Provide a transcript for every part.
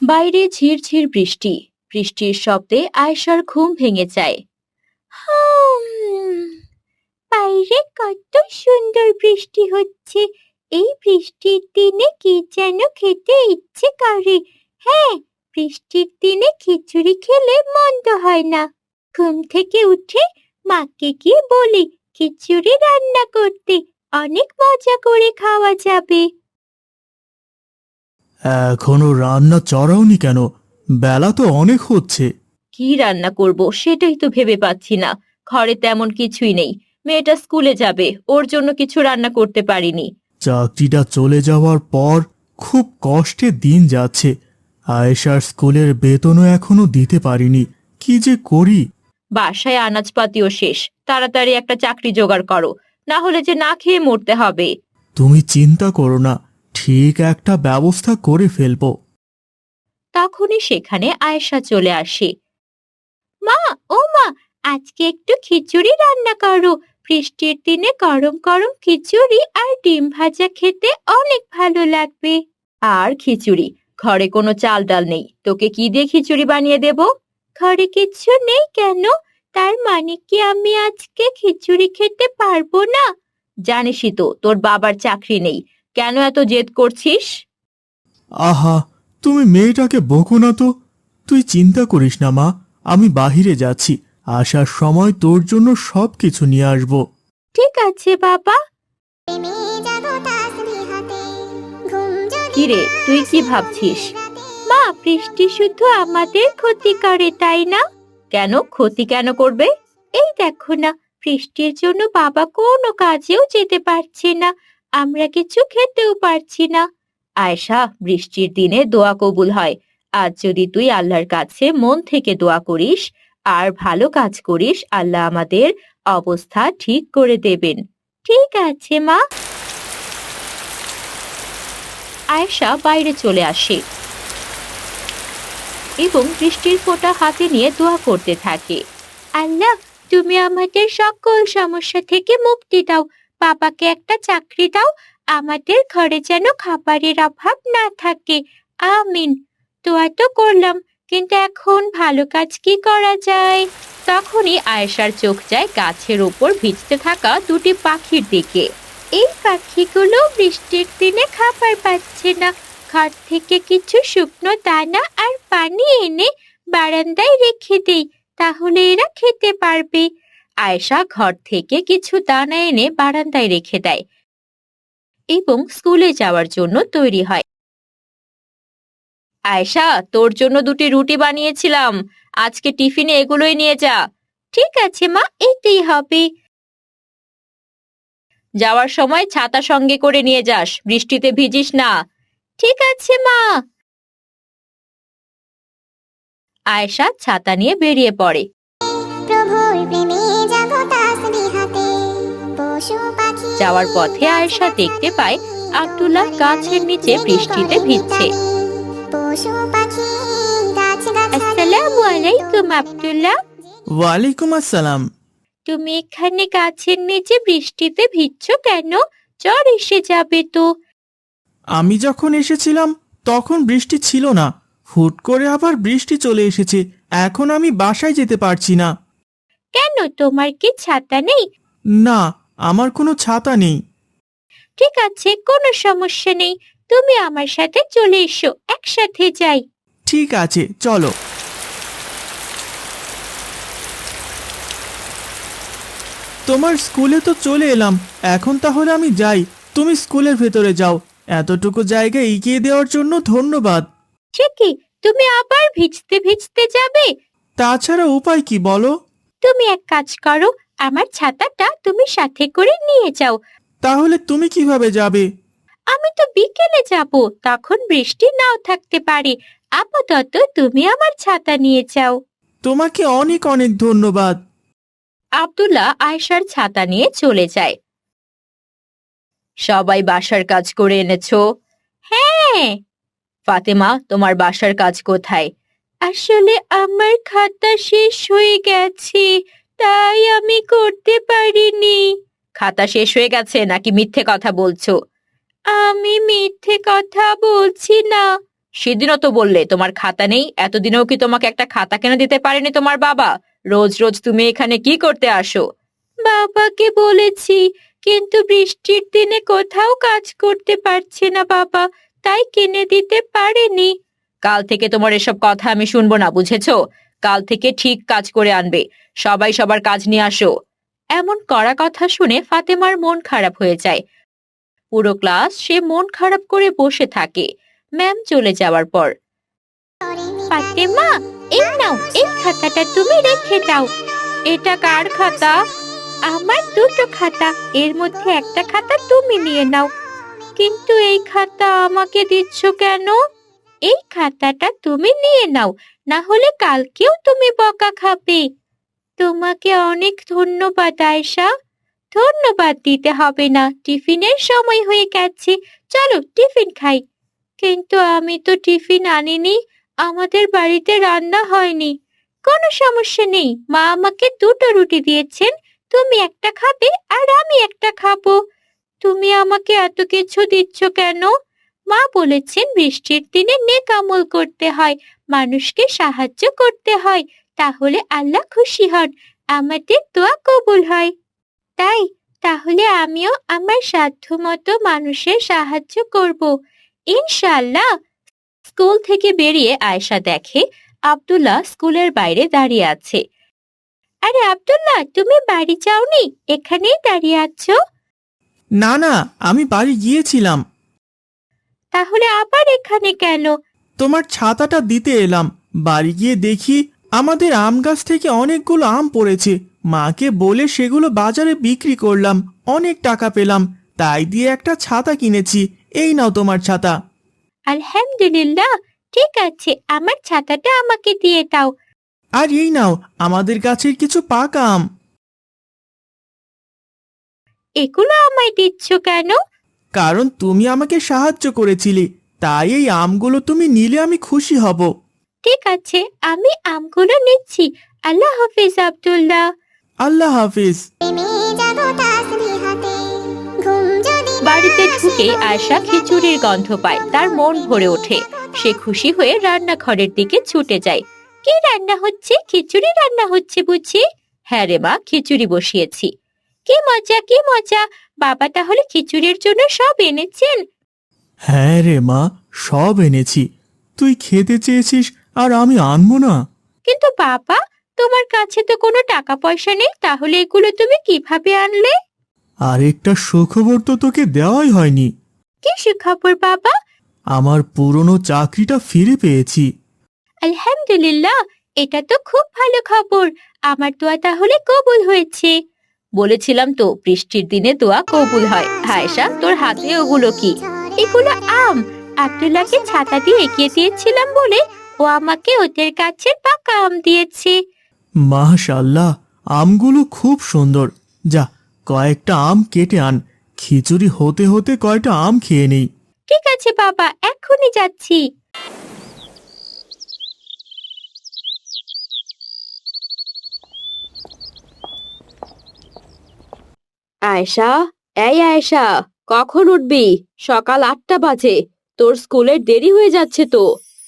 বাইরে ঝিরঝির বৃষ্টি। বৃষ্টির শব্দে আয়েশার ঘুম ভেঙে যায়। হুম, বাইরে কত সুন্দর বৃষ্টি হচ্ছে। এই বৃষ্টির দিনে কি যেন খেতে ইচ্ছে করে। হ্যাঁ, বৃষ্টির দিনে খিচুড়ি খেলে মন্দ হয় না। ঘুম থেকে উঠে মাকে গিয়ে বলি খিচুড়ি রান্না করতে, অনেক মজা করে খাওয়া যাবে। এখনো রান্না চড়াওনি কেন? বেলা তো অনেক হচ্ছে। কি রান্না করব সেটাই তো ভেবে পাচ্ছি না। ঘরে তেমন কিছুই নেই। মেয়েটা স্কুলে যাবে, ওর জন্য কিছু রান্না করতে পারিনি। চাকরিটা চলে যাওয়ার পর খুব কষ্টে দিন যাচ্ছে। আয়েশার স্কুলের বেতনও এখনো দিতে পারিনি। কি যে করি। বাসায় আনাজপাতিও শেষ। তাড়াতাড়ি একটা চাকরি জোগাড় করো, না হলে যে না খেয়ে মরতে হবে। তুমি চিন্তা করো না, ঠিক একটা ব্যবস্থা করে ফেলবো। তখনই সেখানে আয়েশা চলে আসে। মা, ও মা, আজকে একটু খিচুড়ি রান্না করো। বৃষ্টির দিনে গরম গরম খিচুড়ি আর ডিম ভাজা খেতে অনেক ভালো লাগবে। আর খিচুড়ি? ঘরে কোনো চাল ডাল নেই, তোকে কি দিয়ে খিচুড়ি বানিয়ে দেব? ঘরে কিচ্ছু নেই কেন? তার মানে কি আমি আজকে খিচুড়ি খেতে পারবো না? জানিসই তো তোর বাবার চাকরি নেই। কেন এত জেদ করছিস? আহা, তুমি মেয়েটাকে বকো না তো। তুই চিন্তা করিস না মা, আমি বাহিরে যাচ্ছি। আসার সময় তোর জন্য সবকিছু নিয়ে আসবো। ঠিক আছে বাবা। কিরে, তুই কি ভাবছিস? মা, বৃষ্টি শুধু আমাদের ক্ষতি করে, তাই না? কেন ক্ষতি কেন করবে? এই দেখো না, বৃষ্টির জন্য বাবা কোনো কাজেও যেতে পারছে না। আমরা কিছু খেতেও পারছি না। আয়েশা, বৃষ্টির দিনে দোয়া কবুল হয়। আজ যদি তুই আল্লাহর কাছে মন থেকে দোয়া করিস আর ভালো কাজ করিস, আল্লাহ আমাদের অবস্থা ঠিক করে দেবেন। ঠিক আছে মা। আয়েশা বাইরে চলে আসে এবং বৃষ্টির ফোঁটা হাতে নিয়ে দোয়া করতে থাকে। আল্লাহ, তুমি আমাদের সকল সমস্যা থেকে মুক্তি দাও। বাবাকে একটা চাকরি দাও। আমাদের ঘরে যেন খাবারের অভাব না থাকে। আমিন। দোয়া তো করলাম, কিন্তু এখন ভালো কাজ কি করা যায়? তখনই আয়েশার চোখ যায় গাছের উপর ভিজতে থাকা দুটি পাখির দিকে। এই পাখিগুলো বৃষ্টির দিনে খাবার পাচ্ছে না। ঘর থেকে কিছু শুকনো দানা আর পানি এনে বারান্দায় রেখে দেই, তাহলে এরা খেতে পারবে। আয়েশা ঘর থেকে কিছু দানা এনে বারান্দায় রেখে দেয় এবং স্কুলে যাওয়ার জন্য তৈরি হয়। আয়েশা, তোর জন্য দুটি রুটি বানিয়েছিলাম। আজকে টিফিনে এগুলোই নিয়ে যা। ঠিক আছে মা, এতেই হবে। যাওয়ার সময় ছাতা সঙ্গে করে নিয়ে যাস, বৃষ্টিতে ভিজিস না। ঠিক আছে মা। আয়েশা ছাতা নিয়ে বেরিয়ে পড়ে। যাওয়ার পথে আয়েশা দেখতে পায় আব্দুল্লাহ গাছের নিচে বৃষ্টিতে ভিজছে। আসসালামু আলাইকুম আব্দুল্লাহ। ওয়ালাইকুম আসসালাম। তুমি এখানে গাছের নিচে বৃষ্টিতে ভিজছো কেন? জ্বর এসে যাবে তো। আমি যখন এসেছিলাম তখন বৃষ্টি ছিল না। হুট করে আবার বৃষ্টি চলে এসেছে। এখন আমি বাসায় যেতে পারছি না। কেন, তোমার কি ছাতা নেই? না, আমার কোনো ছাতা নেই। ঠিক আছে, কোনো সমস্যা নেই। তুমি আমার সাথে চলে এসো, একসাথে যাই। ঠিক আছে, চলো। তোমার স্কুলে তো চলে এলাম, এখন তাহলে আমি যাই। তুমি স্কুলের ভেতরে যাও। এতটুকু জায়গা এগিয়ে দেওয়ার জন্য ধন্যবাদ। সে কি, তুমি আবার ভিজতে ভিজতে যাবে? তাছাড়া উপায় কি বলো? তুমি এক কাজ করো, আমার ছাতাটা তুমি সাথে করে নিয়ে যাও। তাহলে তুমি কিভাবে যাবে? আমি তো বিকেলে যাব, তখন বৃষ্টি নাও থাকতে পারে। আপাতত তুমি আমার ছাতা নিয়ে যাও। তোমাকে অনেক অনেক ধন্যবাদ। আব্দুল্লাহ আয়েশার ছাতা নিয়ে চলে যায়। সবাই বাসার কাজ করে এনেছো? হ্যাঁ। ফাতেমা, তোমার বাসার কাজ কোথায়? আসলে আমার খাতা শেষ হয়ে গেছে, তাই আমি করতে পারিনি। খাতা শেষ হয়ে গেছে নাকি মিথ্যে কথা বলছো? আমি মিথ্যে কথা বলছি না। সেদিনও তো বললে তোমার খাতা নেই, এতদিনেও কি তোমাকে একটা খাতা কিনে দিতে পারেনি তোমার বাবা? রোজ রোজ তুমি এখানে কি করতে আসো? বাবাকে বলেছি, কিন্তু বৃষ্টির দিনে কোথাও কাজ করতে পারছে না বাবা, তাই কিনে দিতে পারেনি। কাল থেকে তোমার এসব কথা আমি শুনবো না, বুঝেছো? কাল থেকে ঠিক কাজ করে আনবে। সবাই সবার কাজ নিয়ে আসো। এমন কড়া কথা শুনে ফাতেমার মন খারাপ হয়ে যায়। পুরো ক্লাস সে মন খারাপ করে বসে থাকে ম্যাম চলে যাওয়ার পর। ফাতেমা, এই নাও, এই খাতাটা তুমি রেখে দাও। এটা কার খাতা? আমার দুটো খাতা, এর মধ্যে একটা খাতা তুমি নিয়ে নাও। কিন্তু এই খাতা আমাকে দিচ্ছ কেন? এই খাতাটা তুমি নিয়ে নাও, না হলে কালকেও তুমি বকা খাবে। তোমাকে অনেক ধন্যবাদ আয়েশা। ধন্যবাদ দিতে হবে না, টিফিনের সময় হয়ে গেছে, চলো টিফিন খাই। কিন্তু আমি তো টিফিন আনিনি, আমাদের বাড়িতে রান্না হয়নি। কোনো সমস্যা নেই, মা আমাকে দুটো রুটি দিয়েছেন, তুমি একটা খাবে আর আমি একটা খাবো। তুমি আমাকে এত কিছু দিচ্ছ কেন? মা বলেছেন বৃষ্টির দিনে নেক আমল করতে হয়, মানুষকে সাহায্য করতে হয়, তাহলে আল্লাহ খুশি হন, আমাদের দোয়া কবুল হয়। তাই, তাহলে আমিও আমার সাধ্যমতো মানুষের সাহায্য করব, ইনশাআল্লাহ। স্কুল থেকে বেরিয়ে আয়েশা দেখে আব্দুল্লাহ স্কুলের বাইরে দাঁড়িয়ে আছে। আরে আব্দুল্লাহ, তুমি বাড়ি যাওনি, এখানেই দাঁড়িয়ে আছো? না না, আমি বাড়ি গিয়েছিলাম। তাহলে আবার এখানে কেন? তোমার ছাতাটা দিতে এলাম। বাড়ি গিয়ে দেখি আমাদের আম গাছ থেকে অনেকগুলো আম পড়েছে। মাকে বলে সেগুলো বাজারে বিক্রি করলাম, অনেক টাকা পেলাম, তাই দিয়ে একটা ছাতা কিনেছি। এই নাও তোমার ছাতা। আলহামদুলিল্লাহ, ঠিক আছে, আমার ছাতাটা আমাকে দিয়ে দাও। আর এই নাও আমাদের গাছের কিছু পাকা আম। এগুলো আমায় দিচ্ছ কেন? কারণ তুমি আমাকে সাহায্য করেছিলে, তাই এই আমগুলো তুমি নিলে আমি খুশি হব। ঠিক আছে, আমি আমগুলো নিচ্ছি। আল্লাহ হাফিজ আব্দুল্লাহ। আল্লাহ হাফিজ। বাড়িতে ঢুকে আয়শা খিচুড়ির গন্ধ পায়, তার মন ভরে ওঠে। সে খুশি হয়ে রান্নাঘরের দিকে ছুটে যায়। কি রান্না হচ্ছে? খিচুড়ি রান্না হচ্ছে বুঝি? হ্যাঁ রে মা, খিচুড়ি বসিয়েছি। কি মজা, কি মজা! বাবা তাহলে খিচুড়ির জন্য সব এনেছেন? হ্যাঁ রে মা, সব এনেছি। তুই খেতে চেয়েছিস আর আমি আনবো না? কিন্তু বাবা, তোমার কাছে তো কোনো টাকা পয়সা নেই, তাহলে এগুলো তুমি কিভাবে আনলে? আরেকটা সুখবর তো তোকে দেওয়াই হয়নি। কি সুখবর বাবা? আমার পুরনো চাকরিটা ফিরে পেয়েছি। আলহামদুলিল্লাহ, এটা তো খুব ভালো খবর। আমার দোয়া তাহলে কবুল হয়েছে। বলেছিলাম তো, বৃষ্টির দিনে দোয়া কবুল হয়। আয়েশা, তোর হাতে ওগুলো কি? এগুলো আম। আব্দুল্লাহকে ছাতা দিয়ে এগিয়ে দিয়েছিলাম বলে ও আমাকে ওদের গাছের পাকা আম দিয়েছে। মাশাআল্লাহ, আমগুলো খুব সুন্দর। যা, কয়েকটা আম কেটে আন, খিচুড়ি হতে হতে কয়টা আম খেয়ে নেই। ঠিক আছে বাবা, এক্ষুনি যাচ্ছি। আয়েশা, এই আয়েশা, কখন উঠবি? সকাল 8টা বাজে, তোর স্কুলের দেরি হয়ে যাচ্ছে তো।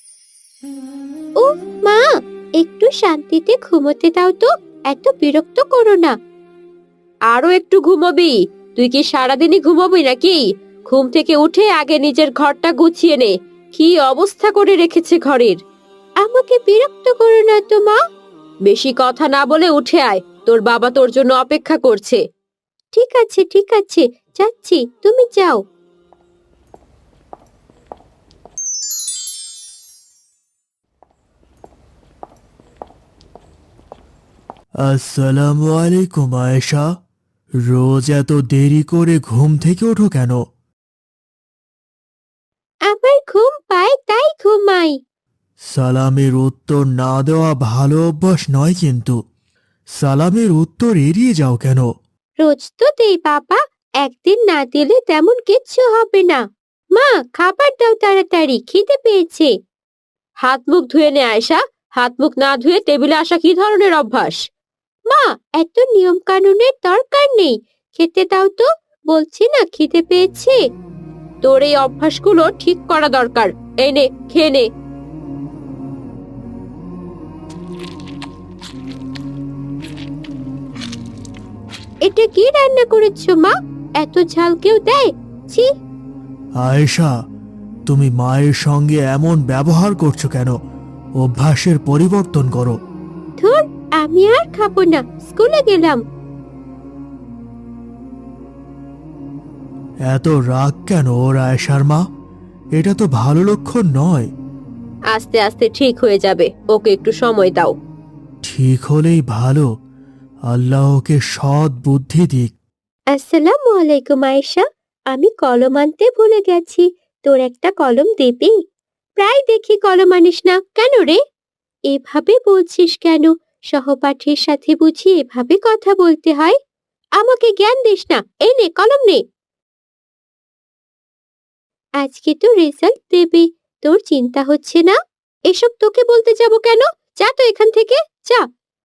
ও মা, একটু শান্তিতে ঘুমোতে দাও তো, এত বিরক্ত করো না। আরো একটু ঘুমাবি? তুই কি সারাদিনই ঘুমাবি নাকি? ঘুম থেকে উঠে আগে নিজের ঘরটা গুছিয়ে নে। কি অবস্থা করে রেখেছে ঘরের! আমাকে বিরক্ত করো না তো মা। বেশি কথা না বলে উঠে আয়, তোর বাবা তোর জন্য অপেক্ষা করছে। ঠিক আছে, ঠিক আছে, যাচ্ছি, তুমি যাও। আসসালামু আলাইকুম আয়েশা। রোজ এত দেরি করে ঘুম থেকে ওঠো কেন? আমার ঘুম পায় তাই ঘুমাই। সালামের উত্তর না দেওয়া ভালো অভ্যাস নয় কিন্তু। সালামের উত্তর এড়িয়ে যাও কেন? রোজ তো দেই বাবা, একদিন না দিলে তেমন কিচ্ছু হবে না। মা, খাবার দাও তাড়াতাড়ি, খিদে পেয়েছে। হাত মুখ ধুয়ে নে আয়েশা। হাত মুখ না ধুয়ে টেবিলে আসা কি ধরনের অভ্যাস? মা, এত নিয়ম কানুনের দরকার নেই, খেতে দাও তো, বলছি না খিদে পেয়েছে। তোর এই অভ্যাসগুলো ঠিক করা দরকার। এই নে, খেয়ে নে। এটা কি রান্না করেছো মা? এত ঝাল কেউ দেয়? ছি। আয়েশা, তুমি মায়ের সঙ্গে এমন ব্যবহার করছো কেন? অভ্যাসের পরিবর্তন করো। ধুর, আমি আর খাবো না, স্কুলে গেলাম। এত রাগ কেন ওর আয়েশার মা? এটা তো ভালো লক্ষণ নয়। আস্তে আস্তে ঠিক হয়ে যাবে, ওকে একটু সময় দাও। ঠিক হলেই ভালো। আল্লাহ ওকে সৎ বুদ্ধি দিক। আসসালামু আলাইকুম আয়েশা, আমি কলম আনতে ভুলে গেছি। তোর একটা কলম দিবি? প্রায় দেখি কলম আনিস না কেন রে? এভাবে বলছিস কেন? সহপাঠীর সাথে বুঝি এভাবে কথা বলতে হয়? আমাকে জ্ঞান দিস না, এই নে কলম নে। আজকে তো রেজাল্ট দেবে, তোর চিন্তা হচ্ছে না? এসব তোকে বলতে যাব কেন? যা তো এখান থেকে, যা।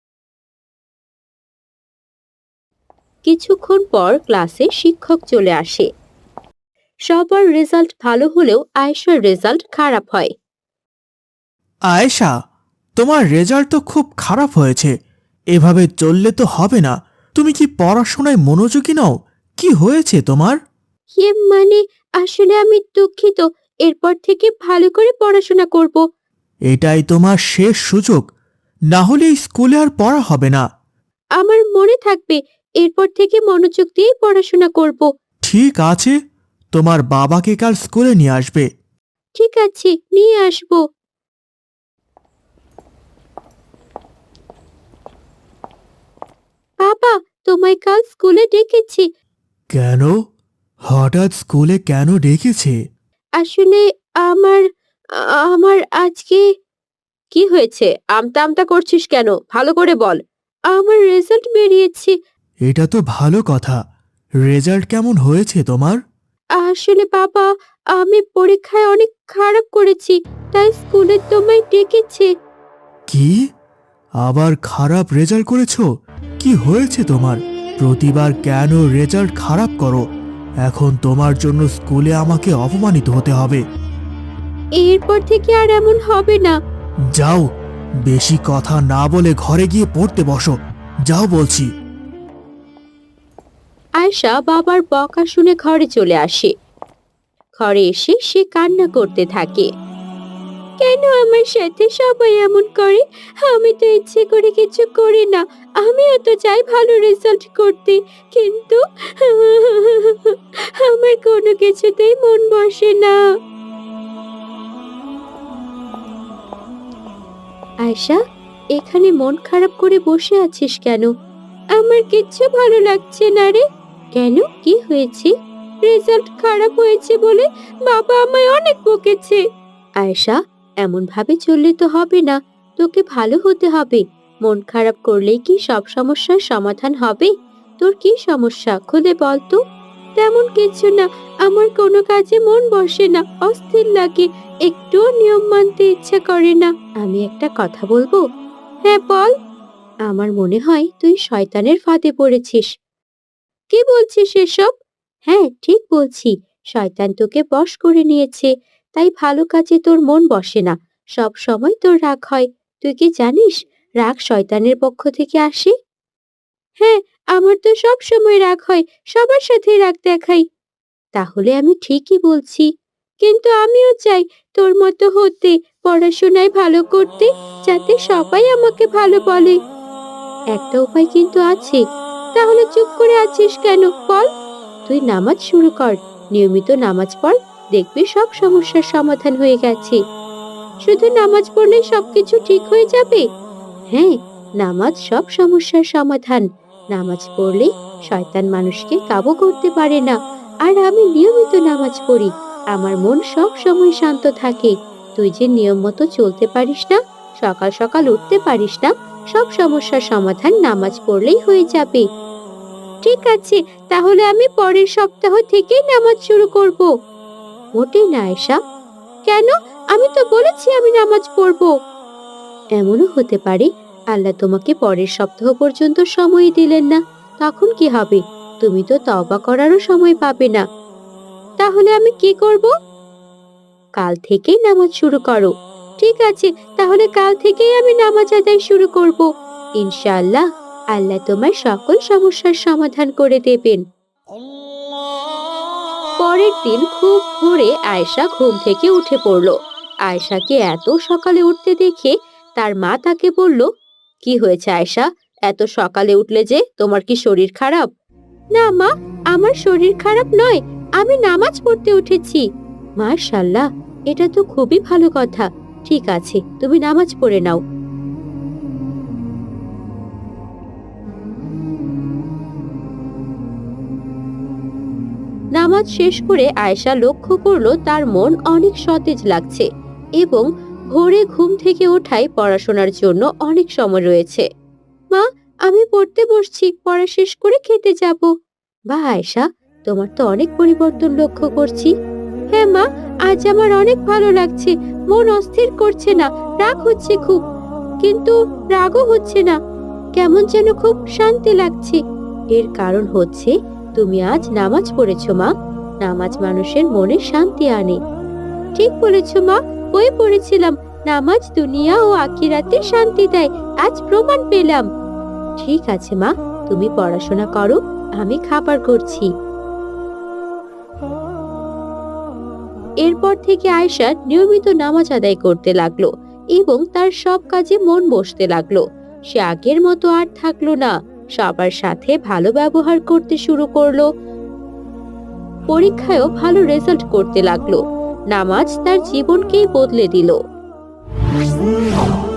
কিছুক্ষণ পর ক্লাসে শিক্ষক চলে আসে। সবার রেজাল্ট ভালো হলেও আয়েশার রেজাল্ট খারাপ হয়। আয়েশা, তোমার রেজাল্ট তো খুব খারাপ হয়েছে। এভাবে চললে তো হবে না। তুমি কি পড়াশোনায় মনোযোগী নও? কি হয়েছে তোমার? মানে আসলে আমি দুঃখিত, এরপর থেকে ভালো করে পড়াশোনা করব। এটাই তোমার শেষ সুযোগ, না হলে এই স্কুলে আর পড়া হবে না। আমার মনে থাকবে, এরপর থেকে মনোযোগ দিয়ে পড়াশোনা করব। ঠিক আছে, তোমার বাবাকে কাল স্কুলে নিয়ে আসবে। ঠিক আছে, নিয়ে আসব। বাবা, তোমায় কাল স্কুলে ডেকেছি। কেন? হঠাৎ স্কুলে কেন ডেকেছে? আসলে আমার আমার আজকে। কি হয়েছে? আমতা আমতা করছিস কেন? ভালো করে বল। আমার রেজাল্ট বেরিয়েছে। এটা তো ভালো কথা। রেজাল্ট কেমন হয়েছে তোমার? আসলে বাবা, আমি পরীক্ষায় অনেক খারাপ করেছি, তাই স্কুলে তোমায় ডেকেছে। কি? আবার খারাপ রেজাল্ট করেছো? কি হয়েছে তোমার? প্রতিবার কেন রেজাল্ট খারাপ করো? এখন তোমার জন্য স্কুলে আমাকে অপমানিত হতে হবে। এরপর থেকে আর এমন হবে না। যাও, বেশি কথা না বলে ঘরে গিয়ে পড়তে বসো। যাও বলছি। আয়শা বাবার বকা শুনে ঘরে চলে আসে। ঘরে এসে সে কান্না করতে থাকে। কেন আমার সাথে সবাই এমন করে? আমি তো ইচ্ছে করে কিছু করি না। আমিও তো চাই ভালো রেজাল্ট করতে, কিন্তু আমার কোনো কিছুতেই মন বসে না। আয়শা, এখানে মন খারাপ করে বসে আছিস কেন? আমার কিচ্ছু ভালো লাগছে না রে। কেন, কি হয়েছে? রেজাল্ট খারাপ হয়েছে বলে বাবা আমায় অনেক বকেছে। আয়শা, এমন ভাবে চললে তো হবে না। তোকে ভালো হতে হবে। মন খারাপ করলেই কি সব সমস্যার সমাধান হবে? তোর কি সমস্যা খুলে বল তো। তেমন কিছু না, আমার কোনো কাজে মন বসে না, অস্থির লাগে, একটুও নিয়ম মানতে ইচ্ছা করে না। আমি একটা কথা বলবো? হ্যাঁ বল। আমার মনে হয় তুই শয়তানের ফাঁদে পড়েছিস। কি বলছিস এসব? হ্যাঁ, ঠিক বলছি। শয়তান তোকে বশ করে নিয়েছে, তাই ভালো কাজে তোর মন বসে না। সব সময় তোর রাগ হয়। তুই কি জানিস, রাগ শয়তানের পক্ষ থেকে আসে? হ্যাঁ, আমার তো সব সময় রাগ হয়, সবার সাথে রাগ দেখাই। তাহলে আমি ঠিকই বলছি। কিন্তু আমিও চাই তোর মতো হতে, পড়াশোনায় ভালো করতে, যাতে সবাই আমাকে ভালো বলে। একটা উপায় কিন্তু আছে। তাহলে চুপ করে আছিস কেন বল? তুই নামাজ শুরু কর, নিয়মিত নামাজ পড়, দেখবি সব সমস্যার সমাধান হয়ে গেছে। শুধু নামাজ পড়লেই সবকিছু ঠিক হয়ে যাবে? হ্যাঁ, নামাজ সব সমস্যার সমাধান। নামাজ পড়লে শয়তান মানুষকে কাবু করতে পারে না। আর আমি নিয়মিত নামাজ পড়ি, আমার মন সব সময় শান্ত থাকে। তুই যে নিয়ম মতো চলতে পারিস না, সকাল সকাল উঠতে পারিস না, সব সমস্যার সমাধান নামাজ পড়লেই হয়ে যাবে। ঠিক আছে, তাহলে আমি পরের সপ্তাহ থেকেই নামাজ শুরু করব। মোটেই না আয়েশা। কেন? আমি তো বলেছি আমি নামাজ পড়ব। এমনও হতে পারে আল্লাহ তোমাকে পরের সপ্তাহ পর্যন্ত সময় দিলেন না। তখন কি হবে? তুমি তো তওবা করারও সময় পাবে না। তাহলে আমি কি করব? কাল থেকেই নামাজ শুরু করো। ঠিক আছে, তাহলে কাল থেকেই আমি নামাজ আদায় শুরু করব। ইনশাআল্লাহ আল্লাহ তোমার সকল সমস্যার সমাধান করে দেবেন। পরের দিন খুব ভোরে আয়েশা ঘুম থেকে উঠে পড়ল। আয়েশাকে এত সকালে উঠতে দেখে তার মা তাকে বলল, কি হয়েছে আয়েশা, এত সকালে উঠলে যে? তোমার কি শরীর খারাপ? না মা, আমার শরীর খারাপ নয়, আমি নামাজ পড়তে উঠেছি। মাশাআল্লাহ, এটা তো খুবই ভালো কথা। ঠিক আছে, তুমি নামাজ পড়ে নাও। নামাজ শেষ করে আয়েশা লক্ষ্য করলো তার মন অনেক সতেজ লাগছে এবং ভোরে ঘুম থেকে ওঠায় পড়াশোনার জন্য অনেক সময় রয়েছে। মা, আমি পড়তে বসছি, পড়া শেষ করে খেতে যাব। বাহ আয়েশা, তোমার তো অনেক পরিবর্তন লক্ষ্য করছি। হ্যাঁ মা, আজ আমার অনেক ভালো লাগছে, মন অস্থির করছে না, রাগ হচ্ছে খুব, কিন্তু রাগও হচ্ছে না, কেমন যেন খুব শান্তি লাগছে। এর কারণ হচ্ছে তুমি আজ নামাজ পড়েছো মা। নামাজ মানুষের মনে শান্তি আনে। ঠিক বলেছো মা, বই পড়েছিলাম নামাজ দুনিয়া ও আখিরাতে শান্তি দেয়, আজ প্রমাণ পেলাম। ঠিক আছে মা, তুমি পড়াশোনা করো, আমি খাবার করছি। এরপর থেকে আয়েশা নিয়মিত নামাজ আদায় করতে লাগলো এবং তার সব কাজে মন বসতে লাগলো। সে আগের মতো আর থাকলো না, সবার সাথে ভালো ব্যবহার করতে শুরু করলো। পরীক্ষায়ও ভালো রেজাল্ট করতে লাগলো। নামাজ তার জীবনকেই বদলে দিল।